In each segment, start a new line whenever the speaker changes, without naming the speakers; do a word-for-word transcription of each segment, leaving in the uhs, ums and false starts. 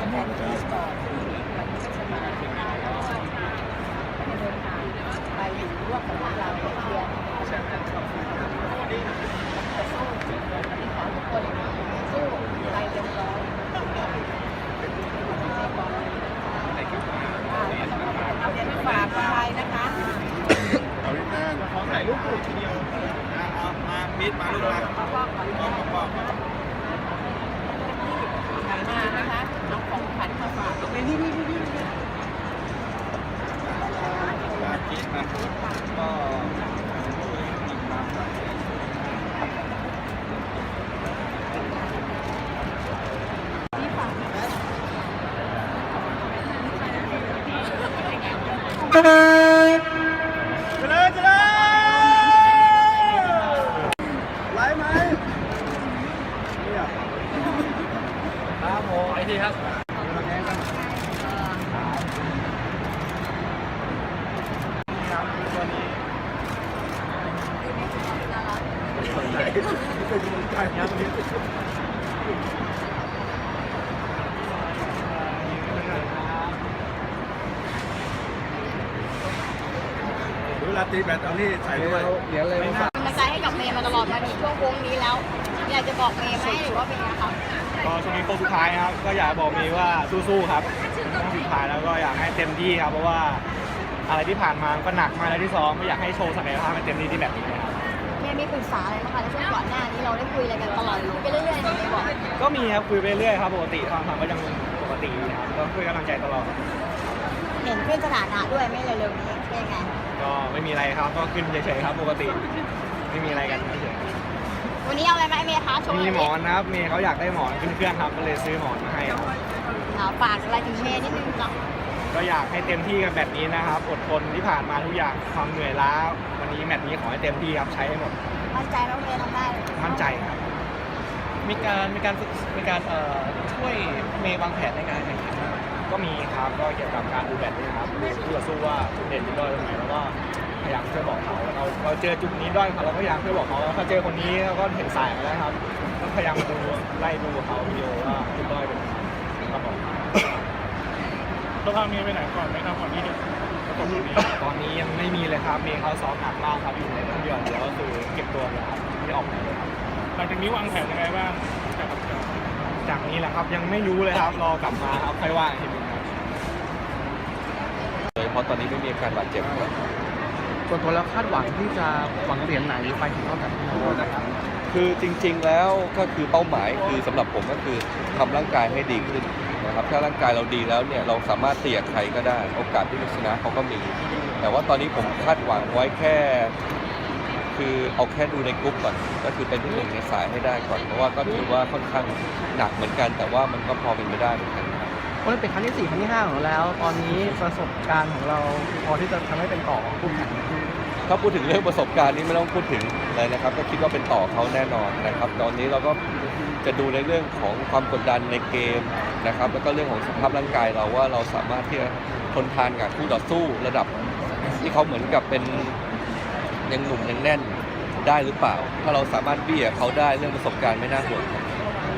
แทนที่ก่อนวันนี้ก็จะมาเดินทางไปอยู่ร่วมกับพวกเราเชียร์จะสู้วันนี้ขอทุกคนสู้ไปเต็มร้อยเอาเรียนฝากไปนะคะ
เอาพี่แป้งขอถ่ายรูปกลุ่มทีเดียวเอามามิดมาลูกมา
พ่อก่อนพ่อก่อนมานะคะน้องของขันมาฝากเอาไปนี่นี่นี่นี่
มาคิดมาก็เจริญเจริญไหวไหมเนี่ยครับโมไอทีครับเวลาตีแบตเอานี่ใส่ด้วยเดี๋ยวเลย
เป็นกำลังใจให้กับเมย์มาตลอดมาถึงช่วงวงนี้แล้วอยากจะบอกเมย์ไหมหรือว่าเป็นไงครับ
ก็ช่วงนี้โค้งสุดท้ายครับก็อยากบอกเมย์ว่าสู้ๆครับช่วงสุดท้ายแล้วก็อยากให้เต็มที่ครับเพราะว่าอะไรที่ผ่านมาก็หนักมาแล้วที่ซ้อมก็อยากให้โชว์ศักยภาพให้เต็มที่ที่แบบนี้ครับ
เมย์มีปรึกษาอะไรบ้างคะในช่วงก่อนหน้านี้เราได้คุยอะไรกันตลอดไปเรื่อยๆเมย์บอก
ก็มีครับคุยไปเรื่อยครับปกติทางทางก็ยังปกติครับก็คุยกำลังใจตลอด
เห็นขึ้นสถานะด้วยไม่เร็วๆนี้เป็นไง
ก็ไม่มีอะไรครับก็ขึ้นเฉยๆครับปกติไม่มีอะไรกันเฉย
วันนี้เอาอะไรมาให้เมย์คะโชว์
มีหมอนนะครับเมย์เขาอยากได้หมอนขึ้นเครื่องครับก็เลยซื้อหมอนมาให้ครับ
ฝากอะไรถึงเมย์นิดนึงจ้ะ
ก็อยากให้เต็มที่กันแบบนี้นะครับอดทนที่ผ่านมาทุกอย่างความเหนื่อยล้าวันนี้แมตช์นี้ขอให้เต็มที่ครับใช้ให้หมด
มั่นใจน้องเมย์ทำได้
มั่นใจครับ
มีการมีการมีการเอ่อช่วยเมย์วางแผนในการแข่งขัน
ก็มีครับก็เกี่ยวกับการดูแบตนี่ครับดูคู่ต่อสู้ว่าจุดเด่นจุดด้อยตรงไหนแล้วก็พยายามช่วยบอกเขาเราเราเจอจุดนี้ด้อยเขาเราก็พยายามช่วยบอกเขาถ้าเจอคนนี้เราก็เห็นสายมาแล้วครับก็พยายามดูไล่ดูเขาวิดีโอว่าจุดด้อยเป็นครับผม
ต้องพาเมย์ไปไหนก่อนไหมครับก่อนที่จะตอนนี้
ตอนนี้ยังไม่มีเลยครับเมย์เขาซ้อมหนักมากครับอยู่ในเครื่องยนต์เดี๋ยวก็คือเก็บตัวเลยครับไม่ออกไหนเลยครับ
หลังจากนี้วางแผนยังไงบ้าง
จากนี้แหละครับยังไม่รู้เลยครับรอกลับมาครับค่อยว่าอีกทีนึงครับ
เพราะตอนนี้ไม่มีอาการบาดเจ็บ
ส่วนตัวแล้วคาดหวังที่จะหวังเหรียญไหนไปถึงเท่ากับโน้นะครับ
คือจริงๆแล้วก็คือเป้าหมายคือสำหรับผมก็คือทำร่างกายให้ดีขึ้นนะครับถ้าร่างกายเราดีแล้วเนี่ยเราสามารถเตียใครก็ได้โอกาสที่จะชนะเขาก็มีแต่ว่าตอนนี้ผมคาดหวังไว้แค่คือเอาแค่ดูในกรุ๊ปก่อนก็คือเป็นที่หนึ่งในสายให้ได้ก่อนเพราะว่าก็ถือว่าค่อนข้างหนักเหมือนกันแต่ว่ามันก็พอเป็นไปได้เหมือนกัน
เพราะเป็นครั้งที่สี่ครั้งที่ห้าของเราแล้วตอนนี้ประสบการณ์ของเราพอที่จะทำให้เป็นต่อคู่แข่ง
ถ้าพูดถึงเรื่องประสบการณ์นี้ไม่ต้องพูดถึงเลยนะครับก็คิดว่าเป็นต่อเขาแน่นอนนะครับตอนนี้เราก็จะดูในเรื่องของความกดดันในเกมนะครับแล้วก็เรื่องของสภาพร่างกายเราว่าเราสามารถที่จะทนทานกับคู่ต่อสู้ระดับที่เขาเหมือนกับเป็นยังหนุ่มยังแน่นได้หรือเปล่าถ้าเราสามารถเบี้ยเขาได้เรื่องประสบการณ์ไม่น่าห่วงครับ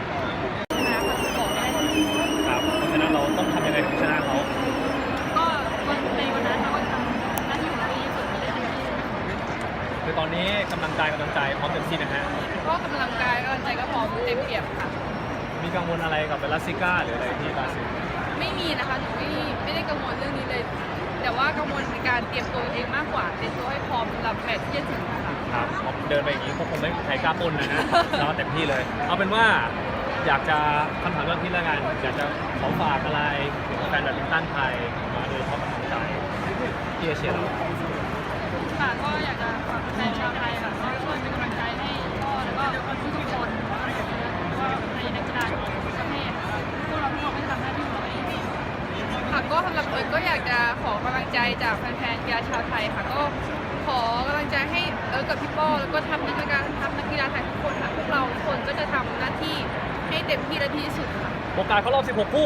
ครับเพราะฉะนั้นเราต้องทำยังไงถึงชนะเขา
ก็ในวันนั้นเราก็ทำหน้าที่ของเราดีที่สุด
คือตอนนี้กำลังใจกำลังใจพร้อมเต็มที่นะฮะ
ก็กำลังกายกำลังใจก็พร้อมเต็มเปี่ยมค่ะ
มีกังวลอะไรกับเบลซิก้าหรืออะไรที่บราซิล
ไม่มีนะคะหนูไม่ไม่ได้กังวลเรื่องนี้เลยแต่ว่ากังวลในการเตรียมตัวเองมากกว่าเตรียมตัวให้พร้อมสำหรับแมตช์ที่จะถึงค่ะ
ครับเดินไปอย่างนี้คงไม่มีใครกล้าปนนะฮะเราเต็มที่เลยเอาเป็นว่าอยากจะคำถามเรื่องที่ละงานอยากจะขอฝากอะไรถึงแฟนแบดมินตันไทยมาโดยเฉพาะกำลังใจที่เชียร์เรา
ค่ะก็อยากจะฝากแฟนชาวไทยค่ะก็ช่วยเป็นกำลังใจให้พ่อแล้วก็ทุกคนว่าในนักกีฬาของประเทศพวกเราทุกคนไม่ทำหน้าที่ของเราเองค่ะก็สำหรับเอิร์ธก็อยากจะขอกำลังใจจากแฟนๆกีฬาชาวไทยค่ะก็ขอกำลังใจให้เอิร์ธกับพี่ป้อแล้วก็ทำนักกีฬาทำนักกีฬาไทยทุกคนค่ะพวกเราทุกคนก็จะทำหน้าที่ให้เต็มที่และดีที่สุดค่ะ
โอกาสเขารอบสิบหกคู่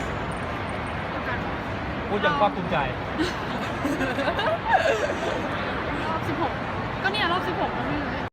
พูดอย่างภาคภูมิใจ
รอบสิบหกก็เนี่ยรอบสิบหกแล้วนี่